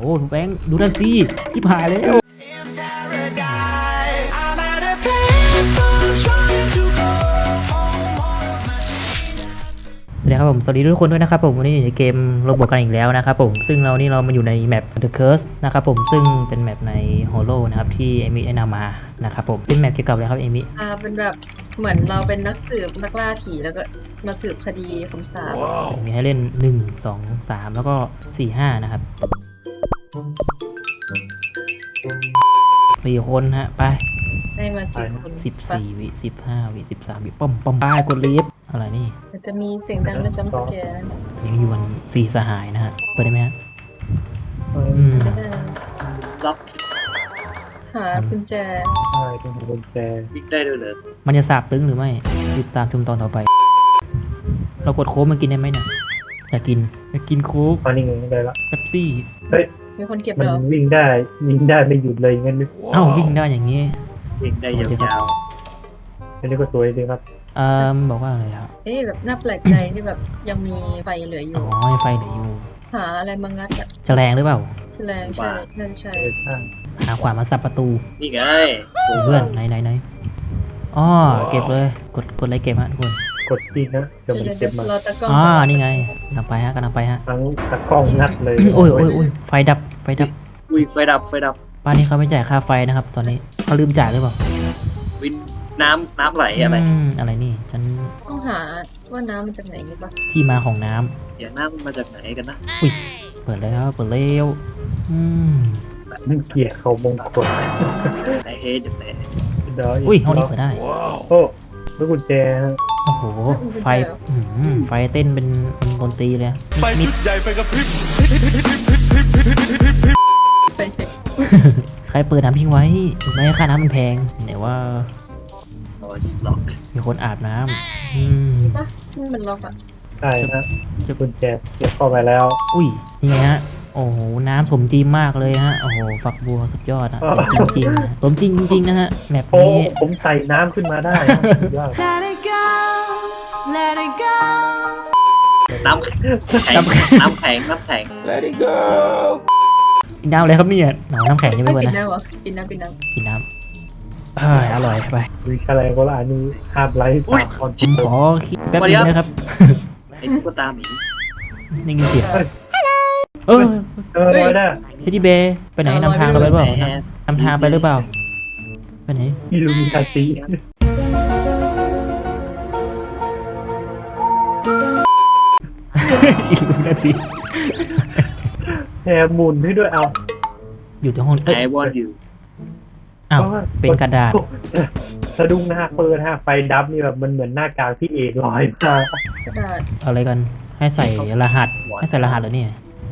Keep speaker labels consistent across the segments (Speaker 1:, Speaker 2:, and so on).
Speaker 1: อ้แบงค์ดูนั่นสิชิบหายแล้วสวัสดีครับผมสวัสดีทุกคนด้วยนะครับผมวันนี้อยู่ในเกมโรบอทกันอีกแล้วนะครับผมซึ่งเรามาอยู่ในแมป The Curse นะครับผมซึ่งเป็นแมปใน Hollow นะครับที่เอมิแนะนำมานะครับผมเป็นแมปเกี่ยวกับอะไรครับเอมิ
Speaker 2: เป็นแบบเหมือนเราเป็นนักสืบนักล่าผีแล้วก็มาสืบคดีคำสาป
Speaker 1: มีให้เล่น1 2 3แล้วก็4 5นะครับ4 คนฮะไป
Speaker 2: ได้มา4 คน
Speaker 1: 14 วิ15 วิ13 วิป้อมป้ายกดลีฟอะไรนี่
Speaker 2: จะมีเสียงดังและจัมป์สแกร์
Speaker 1: ยังอยู่กัน4 สหายนะฮะเปิดได้ไหมฮะ
Speaker 2: ล็อกหากุญแจ
Speaker 3: ใช่เป็นกุญแจ
Speaker 4: วิ่งได้ด้วยเหรอ
Speaker 1: มันจะสาบตึงหรือไม่ติดตามชมตอนต่อไปเรากดโค้กมากินได้ไหมเนี่ยอยากกินโค้ก
Speaker 3: ตอนนี้ได้ละ
Speaker 1: เป๊ปซี่
Speaker 3: เฮ้ย
Speaker 2: มีคนเก็บ
Speaker 3: มัน
Speaker 2: แล้ว
Speaker 3: วิ่งได้ไม่หยุดเลยงั้น
Speaker 1: วิ่งได้อย่างนี้
Speaker 4: วิ่งได้ยาว
Speaker 3: ๆอันนี้ก็สวยดีครับ
Speaker 1: บอกว่าอะไรครับ
Speaker 2: แบบน่าแปลกใจที่แบบยังมีไฟเหลืออยู่
Speaker 1: อ๋อไฟเหลืออยู่
Speaker 2: หาอะไรมางัดอะ
Speaker 1: แฉลงหรือเปล่า
Speaker 2: แฉลงใช่นั่นใช่
Speaker 1: หาขวานมาสับประตู
Speaker 4: นี่ไง
Speaker 1: เพื่อนไหนอ๋อเก็บเลยกดอะไรเก็บฮะทุกคน
Speaker 3: กดตีนะจะมันเก็บมา
Speaker 1: นี่ไงกำลังไปฮะ
Speaker 3: ทั้งตะกล้องงัดเลย
Speaker 1: โอ้ยไฟดับ
Speaker 4: อุ้ยไฟดับ
Speaker 1: บ้านนี้เขาไม่จ่ายค่าไฟนะครับตอนนี้เขาลืมจ่ายหรือเปล่า
Speaker 4: วินน้ำไหล
Speaker 1: อะไรนี่ฉัน
Speaker 2: ต้องหาว่าน้ำมาจากไหนนี่ปะ
Speaker 1: ที่มาของน้ำ
Speaker 4: เสียงน้ำมันมาจากไหนกันนะ
Speaker 1: อุ้ยเปิดแล้ว
Speaker 3: มันเกี่ยเขามงคล
Speaker 4: ไหนเฮจากไหน
Speaker 1: อุ้ยห้องนี้เปิดได้
Speaker 3: โอ้แล้วกุญแจ
Speaker 1: โอ้โหไฟเต้นเป็นดนตรีเลย
Speaker 5: ไฟชุดใหญ่ไฟกระพริบ
Speaker 1: ใครเปิดน้ำทิ้งไว้ไม่ให้ค่าน้ำมันแพงไหนว่ามีคนอาบน้
Speaker 2: ำมันล็อกอ่ะ
Speaker 3: ใช่นะจะกุญแจเก็บเข้าไปแล้ว
Speaker 1: อุ้ยนี่ไงฮะโอ้โหน้ำสมจริงมากเลยฮะโอ้โหฝักบัวสุดยอดนะสมจริงนะฮะแมปนี้
Speaker 3: ผมใส่น้ำขึ้นมาได้
Speaker 4: น้ำแข็ง
Speaker 5: Let it go
Speaker 1: กินน้ำอะไรครับเนี่ยหนาวน้ำแข็งยังไม่เปิดนะ
Speaker 2: กินน้
Speaker 1: ำอร่อยไป
Speaker 3: วิชาอะไรก็ละอันนี้ห้ามไลฟ์ตามคอน
Speaker 1: ขอแป๊บนึงนะครับ
Speaker 4: ไอ้ตุ๊กตาหมี
Speaker 1: นี่กินเสียง
Speaker 3: ได้
Speaker 1: เฮดี้เบย์ไปไหนนำทางเราไปหรือเปล่านำทางไปหรือเปล่าไปไหน
Speaker 3: อิลูมินาติแฮมุนให้ด้วยเอา
Speaker 1: อยู่ที่ห้อง
Speaker 4: ไอวอนอยู่
Speaker 1: เป็นกระดาษ
Speaker 3: สะดุ้งหน้าเปิดฮะไฟดับนี่แบบมันเหมือนหน้ากากที่เอกลอยมาก
Speaker 2: ระดาษ
Speaker 1: อะไรกันให้ใส่รหัสเหรอเนี่ย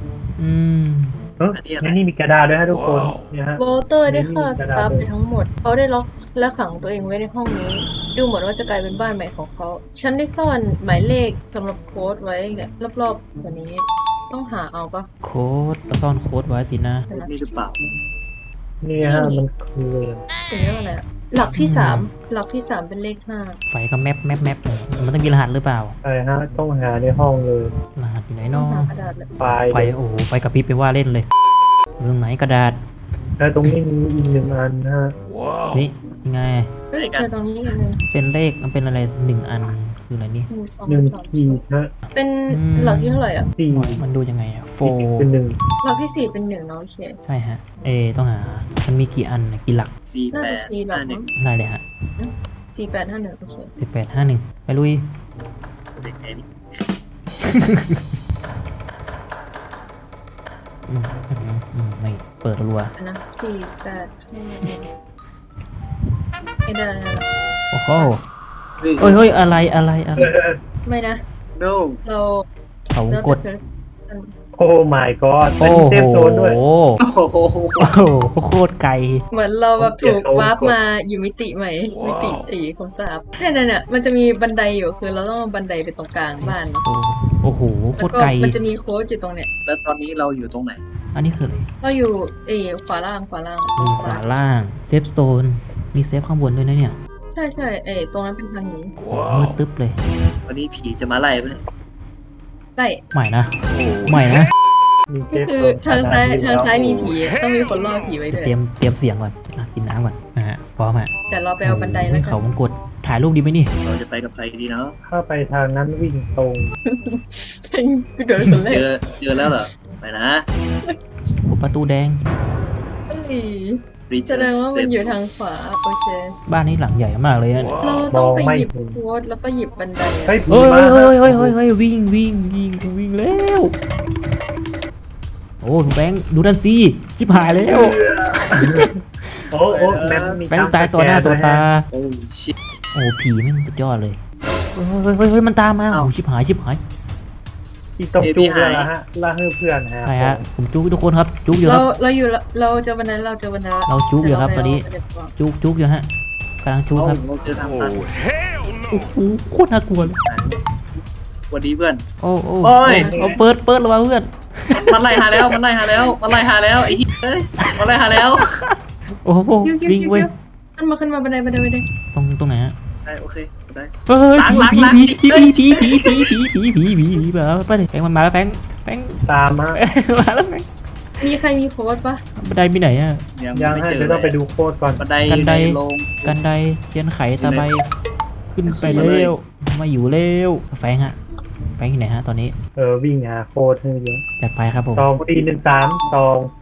Speaker 3: นี่มีกระดาษด้วยฮะทุกคนเนี่ยฮะ
Speaker 2: โวเตอร์ได้ฆ่าสตาฟไปทั้งหมดเขาได้ล็อกและขังตัวเองไว้ในห้องนี้ดูเหมือนว่าจะกลายเป็นบ้านใหม่ของเขาฉันได้ซ่อนหมายเลขสำหรับโค้ดไว้รอบๆตัวนี้ต้องหาเอาปะ
Speaker 1: โค้ดซ่อนโค้ดไว้สินะ
Speaker 4: นี่หรือเปล่า
Speaker 3: นี่ฮะมันคือ
Speaker 2: เป็นเรื่องอะไรหลักที่3เป็นเลข5
Speaker 1: ไฟก็แมปมันต้องมีรหัสหรือเปล่า
Speaker 3: ใช่ฮะต้องหาในห้องเลย
Speaker 1: รหัสอยู่ไหนน้อง
Speaker 3: ไฟ
Speaker 1: โอ้โหไฟกระพริบไปว่าเล่นเลยเรื่องไหนกระดาษ
Speaker 3: แล้วตรงนี้มีอีก1 อันฮะ
Speaker 1: นี่ไง
Speaker 2: เจอตรงนี้อีกนึง
Speaker 1: เป็นเลขมันเป็นอะไร1 อันคืออะไรนี่
Speaker 3: 1 ขีดฮะ
Speaker 2: เป็นหลักที่เท่าไหร่
Speaker 1: 4มันดูยังไง4
Speaker 3: เป็น
Speaker 2: 1หลักที่4เป็น1เนาะโอเค
Speaker 1: ใช่ฮะต้องหามันมีกี่อันกี่หลัก
Speaker 2: น่าจะ4หลัก
Speaker 1: ได้เลยฮะ
Speaker 2: 4851โอเค
Speaker 1: 4851ไปลุยไม่เปิดรัว
Speaker 2: นะ4851ได้
Speaker 1: โอ้โหเฮ้ยอะไร
Speaker 2: ไม่นะ
Speaker 4: no
Speaker 1: เขากด
Speaker 3: โอ้ my god เป็นเซฟโซนด้วย
Speaker 1: โอ้โหโคตรไกล
Speaker 2: เหมืมือนเราแบบถูกวาร์ปมาอยู่มิติใหม่มิติคำสาปเนี่ยมันจะมีบันไดอยู่คือเราต้องบันไดไปตรงกลางบ้าน
Speaker 1: โอ้โหโคตรไกล
Speaker 2: มันจะมีโค้ดอยู่ตรงเนี้ย
Speaker 4: แล้วตอนนี้เราอยู่ตรงไหน
Speaker 1: อันนี้คืออะไร
Speaker 2: เราอยู่ขวาล่าง
Speaker 1: เซฟโซนมีเซฟข้างบนด้วยนะเนี่ย
Speaker 2: ใช่ตรงนั้นเป็นทางนี้
Speaker 1: มืดตึ๊บเลย
Speaker 4: วันนี้ผีจะมาไล่ไหม
Speaker 2: ไล่
Speaker 1: ใหม่นะ
Speaker 3: มีเท
Speaker 2: ก็
Speaker 3: ป
Speaker 2: คือ
Speaker 3: ตรง
Speaker 2: ทางซ้าย
Speaker 3: สถ
Speaker 2: ทางซ้ายมีผีต้องมีคนล่อผีไว้ด้วย
Speaker 1: เตรียมเสียงก่อนกินน้ำก่อนนะฮะพร้อมฮะ
Speaker 2: แต่เราไปเอาบันไดแล้วกั
Speaker 1: เขา
Speaker 2: น
Speaker 1: มงกดถ่ายรูปดีไหมนี่
Speaker 4: เราจะไปกับใครดีเนาะ
Speaker 3: ถ้าไปทางนั้นวิ่งตรง
Speaker 2: กูเดินคนแรก
Speaker 4: เจอแล้วเหรอไปนะ
Speaker 1: โอ้ประตูแดง
Speaker 2: เฮ้ย
Speaker 4: รี
Speaker 2: แสดงว่ามันอยู่ทางขวาโอเค
Speaker 1: บ้านนี้หลังใหญ่มากเลยอะ
Speaker 2: เราต้องไปหยิบโค้ดแล้วก็หยิบบันได
Speaker 3: เฮ้ยผี
Speaker 1: เฮ้ย
Speaker 3: มา
Speaker 1: เฮ้ยวิ่งแล้วโอ้แบงค์ดูนั่นสิชิบหายแล้ว
Speaker 3: โอ้แม่งมี
Speaker 1: แบงค์ตายต่อหน้าต่อตา
Speaker 4: โอ้ชิต
Speaker 1: โอ้ผีแม่งสุดยอดเลยเฮ้ยมันตามมา
Speaker 4: เอ้า
Speaker 1: โอ้ชิบหาย
Speaker 3: ที่ต้องจูงแล้วฮะล่าให้เพื่อนฮะ
Speaker 1: ใช่ฮะผมจุกทุกคนครับจุกอยู่ค
Speaker 2: เรา
Speaker 1: รับ
Speaker 2: เราอยู่เราเจอบันไดเราเจอบันได
Speaker 1: เราจุกอยู่ครับตอนนี้
Speaker 2: แต่เราไปเอา
Speaker 1: จุกอยู่ฮะกำลังจุกครับ
Speaker 4: เราเจอทางตัน
Speaker 1: โอ้โหโคตรน่ากลัวเลย
Speaker 4: สวัสดีเพื่อน
Speaker 1: โอ้
Speaker 4: โอ้ย
Speaker 1: เอาเปิดระวังเพื่อน
Speaker 4: มันไล่หาแล้วไอ้เหี้ยเอ้ยมันไล่หาแล้ว
Speaker 1: โอ้โห
Speaker 2: คิว
Speaker 1: วิ่งเว้ย
Speaker 2: ขึ้นมาบันไดบันได
Speaker 1: ตรงไหนฮะ
Speaker 4: ได้โอเคได้
Speaker 1: เฮ้ย
Speaker 4: หลัง
Speaker 1: ผีไปเลยแบงค์มันมาแล้วแบงค์
Speaker 3: ตามมา
Speaker 1: มาแล้วแบงค์
Speaker 2: มีใครมีโค้ดปะ
Speaker 1: บันไดมีไหนอะ
Speaker 3: ยัง
Speaker 4: ไม่
Speaker 3: ฮะ
Speaker 4: เจอ
Speaker 3: เดี๋ยวต้องไปดูโคตรก่อน
Speaker 4: บันได
Speaker 1: กันได
Speaker 4: ลง
Speaker 1: กันไดเทียนไขตะไบขึ้นไปเร็วมาอยู่เร็วแฟงฮะแฟงที่ไหนฮะตอนนี้
Speaker 3: วิ่งหาโคตรให้เยอะ
Speaker 1: จัดไปครับผม
Speaker 3: 2413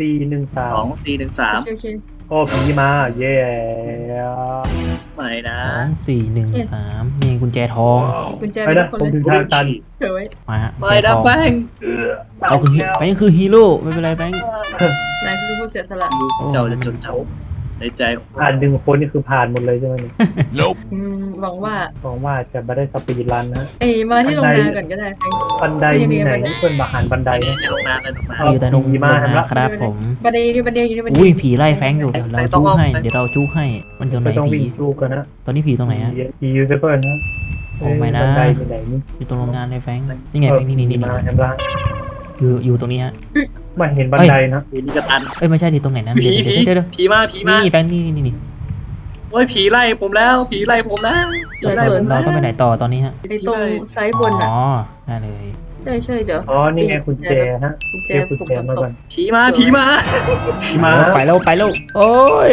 Speaker 4: 2413
Speaker 2: โอเค
Speaker 3: โอ้ผีมาเย้
Speaker 4: ไม่นะ
Speaker 1: 2413นี่กุญแจทอง
Speaker 2: กุญแจ
Speaker 3: ไป
Speaker 2: เป็น
Speaker 3: นะ
Speaker 2: คน
Speaker 3: ผม
Speaker 2: เลย
Speaker 3: ถึงทางตัน
Speaker 2: เดี๋ยวไว้
Speaker 1: มาฮะ
Speaker 4: ไม่นะแป้ง
Speaker 1: เราคือแบงค์คือฮีโร่ไม่เป็นไรแบงค์
Speaker 2: นายคือผู้เสียสละ
Speaker 4: เจ้าจะจดจำในใจของ
Speaker 3: ผ่านดึงคนนี่คือผ่านหมดเลยใช่ไหมเนี่ย
Speaker 2: หวังว่า
Speaker 3: หวังว่าจะไม่ได้สปีดรันนะ
Speaker 2: มาที่โรงงานก่อนก็ได้
Speaker 3: บันไดมีไหนเพื่อนมาหันบันได
Speaker 4: ใน
Speaker 3: นะ
Speaker 4: โรงงานในโรงงาน
Speaker 1: อยู่แต่นง
Speaker 3: ผีมาครับ
Speaker 1: ครับผม
Speaker 2: บันไดอยู่บันไดอยู่บันได
Speaker 1: อุ้ยผีไล่แฟงอยู่เดี๋ยวเราจู้ให้เดี๋ยวเราจู้ให้มันอยู่ไหน
Speaker 3: ไม่ต้อง
Speaker 1: ผี
Speaker 3: วิ่งจูกันนะ
Speaker 1: ตอนนี้ผีตรงไหนฮะ
Speaker 3: ผียูเซเปิลนะ
Speaker 1: โอ้ไม่นะ
Speaker 3: บันไดมีไหนนี่
Speaker 1: อยู่ตรงโรงงานเลยแฟงนี่ไงแฟงนี่
Speaker 3: มาเห็นปะ
Speaker 1: อยู่ตรงนี้ฮะ
Speaker 3: ไม่เห็นบันไดนะ
Speaker 4: ผีนี่กระตัน
Speaker 1: เอ้ยไม่ใช่ที่ตรงไหนนะ
Speaker 4: ผี
Speaker 1: เดี๋ยว
Speaker 4: ผีมา
Speaker 1: นี่แฟงนี่
Speaker 4: โอ้ยผีไล่ผมแล้วผีไล่ผมแล้วผีไล่ผม
Speaker 1: เรา
Speaker 4: แล้ว
Speaker 1: ต้องไปไหนต่อตอนนี้ฮะ
Speaker 2: ไอตรงซ้ายบนอ่ะ
Speaker 1: อ๋อได้เลย
Speaker 2: ใช่เดี๋ยว
Speaker 3: อ๋อนี่ไงกุญแจฮะ
Speaker 2: กุญแจ
Speaker 3: เก็บกุญ
Speaker 2: ปุ่ม
Speaker 3: แจมา
Speaker 2: ต่ำ
Speaker 3: ก่อน
Speaker 4: ผีมา
Speaker 3: มา
Speaker 1: ไปแล้วโอ้ย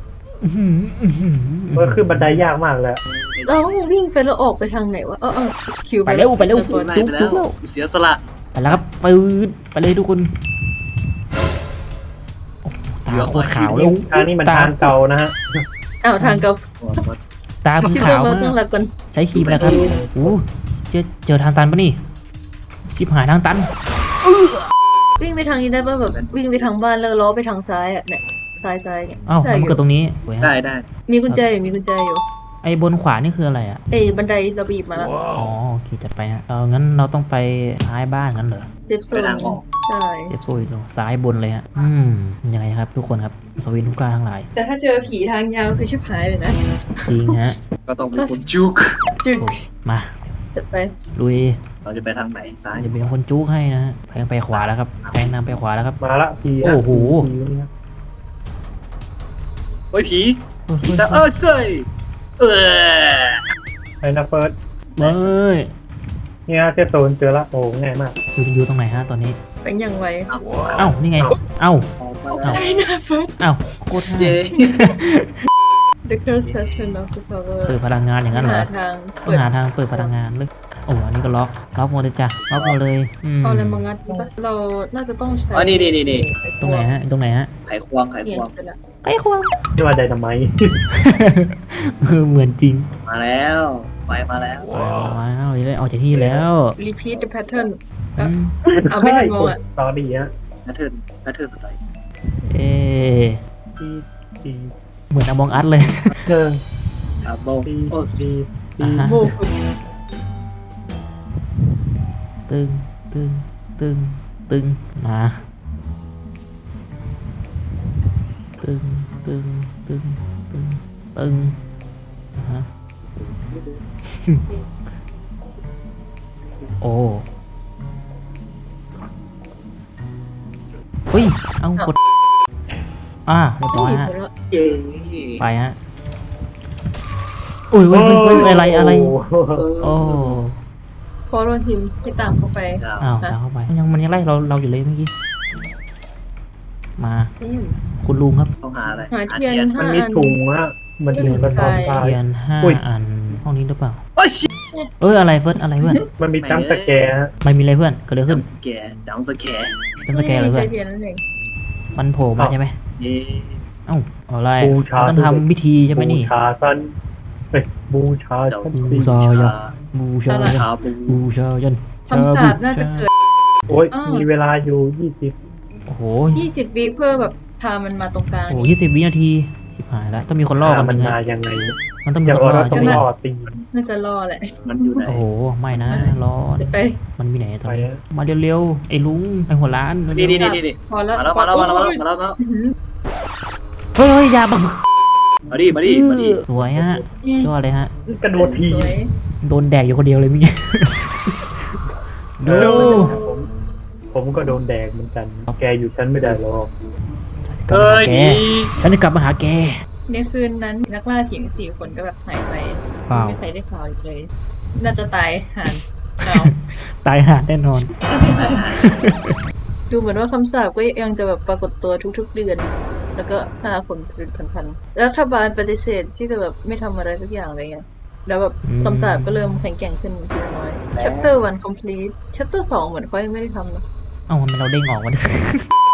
Speaker 3: เมื่อขึ้นบันไดยากมากเลย
Speaker 2: เราวิ่งไปแล้วออกไปทางไหนวะคิว
Speaker 1: ไปเร็ว
Speaker 4: ไล่ไปแล้วเสียสละ
Speaker 1: ไปแล้วครับปืนไปเลยทุกคนตาโคตรขาวแล้ว
Speaker 3: ทางนี้มันทางเก่านะฮะ
Speaker 2: ทางเก่า
Speaker 1: ตาคุณ
Speaker 2: พี่
Speaker 1: ขาว
Speaker 2: เรา
Speaker 1: มา
Speaker 2: ต้อง
Speaker 1: ก
Speaker 2: รับก่อน
Speaker 1: ใช้ครีมแล้วครับโอ้เจอทางตันปะนี่ชิบหายทางตัน
Speaker 2: วิ่งไปทางนี้ได้ป่ะแบบวิ่งไปทางบ้านแล้วล้อไปทางซ้ายอ่ะเนี่ยซ้ายเนี่ย
Speaker 1: อ้าวมันเกิดตรงนี้
Speaker 4: ได้
Speaker 2: มีกุญแจอยู่
Speaker 1: ไอ้บนขวานี่คืออะไรอ่ะ
Speaker 2: บันไดเราบีบมาแล้ว
Speaker 1: อ๋อโอเคจัดไปฮะงั้นเราต้องไปท้ายบ้านงั้นเหรอ
Speaker 2: เซฟโซนใช่
Speaker 1: เจ็บโซ่อยู่ตรงซ้ายบนเลยฮะยังไงครับทุกคนครับสวินทุกการทั้งหลาย
Speaker 2: แต่ถ้าเจอผีทางยาวคือชิบหายเลยนะ
Speaker 1: จริงฮะ
Speaker 4: ก็ต้องเป็นคนจุก
Speaker 2: จึก
Speaker 1: มา
Speaker 2: จัดไป
Speaker 1: ลุย
Speaker 4: เราจะไปทางไหนซ้าย
Speaker 1: จะเป็นคนจุกให้นะฮะแพงไปขวาแล้วครับแพงนำไปขวาแล้วครับ
Speaker 3: มาละผี
Speaker 1: โอ้โห
Speaker 4: โอ้ยผี
Speaker 1: เฮ้ย
Speaker 4: แต่เซ่ย
Speaker 3: ไอ้นะเฟิร์ส
Speaker 1: เฮ้ย
Speaker 3: เนี่ยเซฟโซนเจอละโอ้ง่ายมาก
Speaker 1: อยู่ตรงไหนฮะตอนนี้
Speaker 2: เป็นยังไง
Speaker 1: เอ้านี่ไงเอ้า
Speaker 4: ออกมาแล้ว
Speaker 2: ใจนะเฟิร์ส
Speaker 1: เอ้าโคตร
Speaker 4: เย้
Speaker 1: ง่าย
Speaker 2: The curse has turned off the power
Speaker 1: เปิดพลังงานอย่างนั้นเหรอ
Speaker 2: หาทาง
Speaker 1: ต้องหาทางเปิดพลังงานเลยโอ้อันนี้ก็ล็อกหมดเลยจ้ะล็อกหมดเลย
Speaker 2: เอาอะไรมางัดปะเราน่าจะต้องใช้
Speaker 1: ตรงไหนฮะตรงไหนฮะ
Speaker 4: ไขควง
Speaker 2: เนี่ยเสร็จละ
Speaker 1: ไอ้ควง
Speaker 3: นี่ว่าไดนาไมต์
Speaker 1: เหมือนจริง
Speaker 4: มาแล้วไปมาแล้ว
Speaker 1: ว้าวได้ออกจากที่แล้ว
Speaker 2: repeat the pattern
Speaker 1: อืม
Speaker 2: เอาไม่ทันมองอ่ะ
Speaker 3: ตอนนี้ฮะ
Speaker 4: แพทเทิร์นอะไร
Speaker 1: เอ๊ะ
Speaker 3: ตี
Speaker 1: เหมือนอมองอัดเลย
Speaker 3: เชิง
Speaker 4: อาโบ
Speaker 3: ตี
Speaker 4: โอ้
Speaker 3: ตี
Speaker 1: อ่าฮะ
Speaker 2: โบกุส
Speaker 1: ตึงมาตึงฮะโอ้เฮ้ยเอากดเรียบร้อยฮะ
Speaker 4: เย้
Speaker 1: ไปฮะอุ้ยอะไรโอ้
Speaker 2: ฟอลโล่ทีมที่ตามเข้าไป
Speaker 1: อ้าวตามเข้าไปมันยังไล่เราอยู่เลยเมื่อกี้มาคุณลุงครับ
Speaker 4: ต้องหาอะไร
Speaker 2: หาเทียน
Speaker 3: มัน
Speaker 2: 5
Speaker 3: มี
Speaker 2: อัน
Speaker 3: ถุงฮะมันถุงกระสอบทราย
Speaker 1: เทียนห้า
Speaker 3: อุ้ย
Speaker 1: อันห้องนี้หรือเปล่า
Speaker 4: โอ้ยชิ
Speaker 1: อะไรเฟิร์สอะไรเพื่อน
Speaker 3: มันมีจัมป์สแกร์ฮะ
Speaker 1: มันมีอะไรเพื่อนเกิดอะไรขึ้น
Speaker 4: จำสแกร์จำสแกร์
Speaker 1: เป็นสแกนอะไร
Speaker 2: เจ
Speaker 1: เพื่อ
Speaker 2: อน เทียนนั่นเอง
Speaker 1: มันโผล่มาใช่ไหม
Speaker 4: เย้
Speaker 1: เอ้าอะไร
Speaker 3: บูชา
Speaker 1: เราต้องทำพิธีใช่ไหมนี่
Speaker 3: บูชาซันเอ้ยบูชา
Speaker 4: เจ้า
Speaker 3: ซัน
Speaker 1: บูชา บูชายัน
Speaker 4: ชาบู
Speaker 1: บูชายัน
Speaker 2: คำสาปน่าจะเกิด
Speaker 3: โอ้ย
Speaker 2: อ้าว
Speaker 3: มีเวลาอยู่20
Speaker 1: โอ้โห
Speaker 2: 20 วิเพื่อแบบพามันมาตรงกลาง
Speaker 1: โอ้โห
Speaker 2: นี้
Speaker 1: 20 วินาทีชิบหายแล้วต้องมีคนล่อกันห
Speaker 3: มั
Speaker 1: นึ่
Speaker 3: น
Speaker 1: ง
Speaker 3: มา
Speaker 1: ฮะ
Speaker 3: ยังไง
Speaker 1: มันต้องมี
Speaker 3: อย่า
Speaker 1: คน
Speaker 3: ว่า
Speaker 1: ล่อ
Speaker 3: เราต้อ
Speaker 1: ใช่
Speaker 3: ง
Speaker 1: ไหม
Speaker 3: รอตี
Speaker 2: น่าจะรอแหละ
Speaker 4: มันอยู่ไหน
Speaker 1: โอ้โหไม่นะร้อน
Speaker 2: เดี๋ยวไป
Speaker 1: มันมีไหนตอนนี้
Speaker 3: ไปฮะ
Speaker 1: มาเร็วๆไอ้ลุงไอ้หัวร้านเร็วๆ
Speaker 4: นี่
Speaker 2: พอแล้ว
Speaker 4: มาแล้วมาแล้วมาแล้ว
Speaker 2: โอ้ย
Speaker 4: มาแล้วมาแล้ว
Speaker 2: อื้อหือ
Speaker 1: เฮ้ยอย่าบัง
Speaker 4: มาดิมาดิมาดิ
Speaker 1: สวยฮะยอดเลยฮะ
Speaker 3: กระโดดที
Speaker 2: สวย
Speaker 1: โดนแดกอยู่คนเดียวเลยมิเนี่ยดู
Speaker 3: ผมก็โดนแดกเหมือนกัน แกอยู่ชั้นไม่ได้หรอก
Speaker 1: กลับ
Speaker 4: เอ้
Speaker 1: มาย หาแก
Speaker 4: ดี
Speaker 1: ฉันจะกลับมาหาแก
Speaker 2: ในคืนนั้นนักล่าผีทั้ง4 คนก็แบบหายไป
Speaker 1: เปล่า
Speaker 2: ไม่มีใครได้ข่าวอีกเลย น่าจะตายห่านเอา
Speaker 1: ตายหาแน่นอน
Speaker 2: ดูเหมือนว่าคำสาปก็ยังจะแบบปรากฏตัวทุกๆเดือน แล้วก็ฆ่าคนเป็นพันๆรัฐบาลปฏิเสธที่จะแบบไม่ทำอะไรสักอย่างเลยไงแล้วแบบ
Speaker 1: อืม
Speaker 2: คำสาปก็เริ่มแข็งแกร่งขึ้นทีละน้อย chapter 1 complete chapter 2 เหมือนเขายังไม่ได้ทำนะ
Speaker 1: เอ้าทำไมเราเด้งออกวะเนี่ย